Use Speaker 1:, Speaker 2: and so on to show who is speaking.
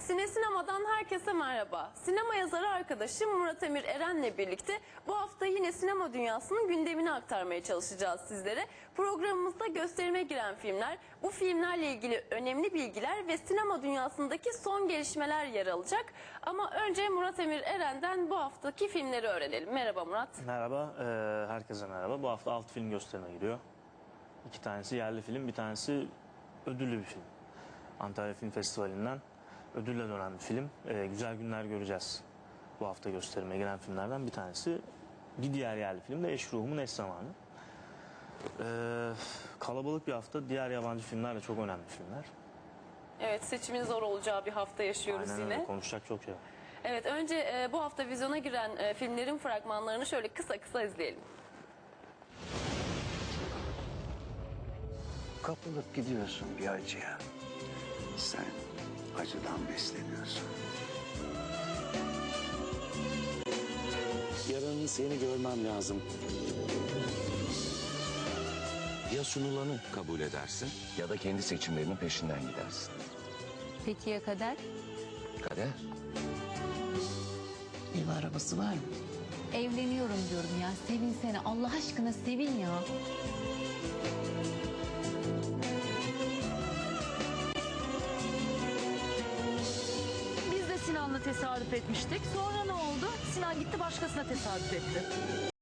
Speaker 1: Sine Sinema'dan herkese merhaba. Sinema yazarı arkadaşım Murat Emir Eren'le birlikte bu hafta yine sinema dünyasının gündemini aktarmaya çalışacağız sizlere. Programımızda gösterime giren filmler, bu filmlerle ilgili önemli bilgiler ve sinema dünyasındaki son gelişmeler yer alacak. Ama önce Murat Emir Eren'den bu haftaki filmleri öğrenelim. Merhaba Murat.
Speaker 2: Merhaba, herkese merhaba. Bu hafta 6 film gösterime giriyor. 2 tanesi yerli film, bir tanesi ödüllü bir film. Antalya Film Festivali'nden ödülle dönen bir film. Güzel günler göreceğiz. Bu hafta gösterime giren filmlerden bir tanesi. Bir diğer yerli film de Eş Ruhumun Eş Zamanı. Kalabalık bir hafta. Diğer yabancı filmler de çok önemli filmler.
Speaker 1: Evet, seçimin zor olacağı bir hafta yaşıyoruz.
Speaker 2: Aynen
Speaker 1: yine.
Speaker 2: öyle, konuşacak çok şey var.
Speaker 1: Evet, önce bu hafta vizyona giren filmlerin fragmanlarını şöyle kısa kısa izleyelim.
Speaker 3: Kapılıp gidiyorsun bir acıya. Sen acıdan besleniyorsun.
Speaker 4: Yarın seni görmem lazım. Ya sunulanı kabul edersin ya da kendi seçimlerinin peşinden gidersin.
Speaker 5: Peki ya kader?
Speaker 4: Kader.
Speaker 6: Ev arabası var mı?
Speaker 5: Evleniyorum diyorum ya. Sevin seni. Allah aşkına sevin ya.
Speaker 6: Biz de Sinan'la tesadüf etmiştik. Sonra ne oldu? Sinan gitti başkasına tesadüf etti.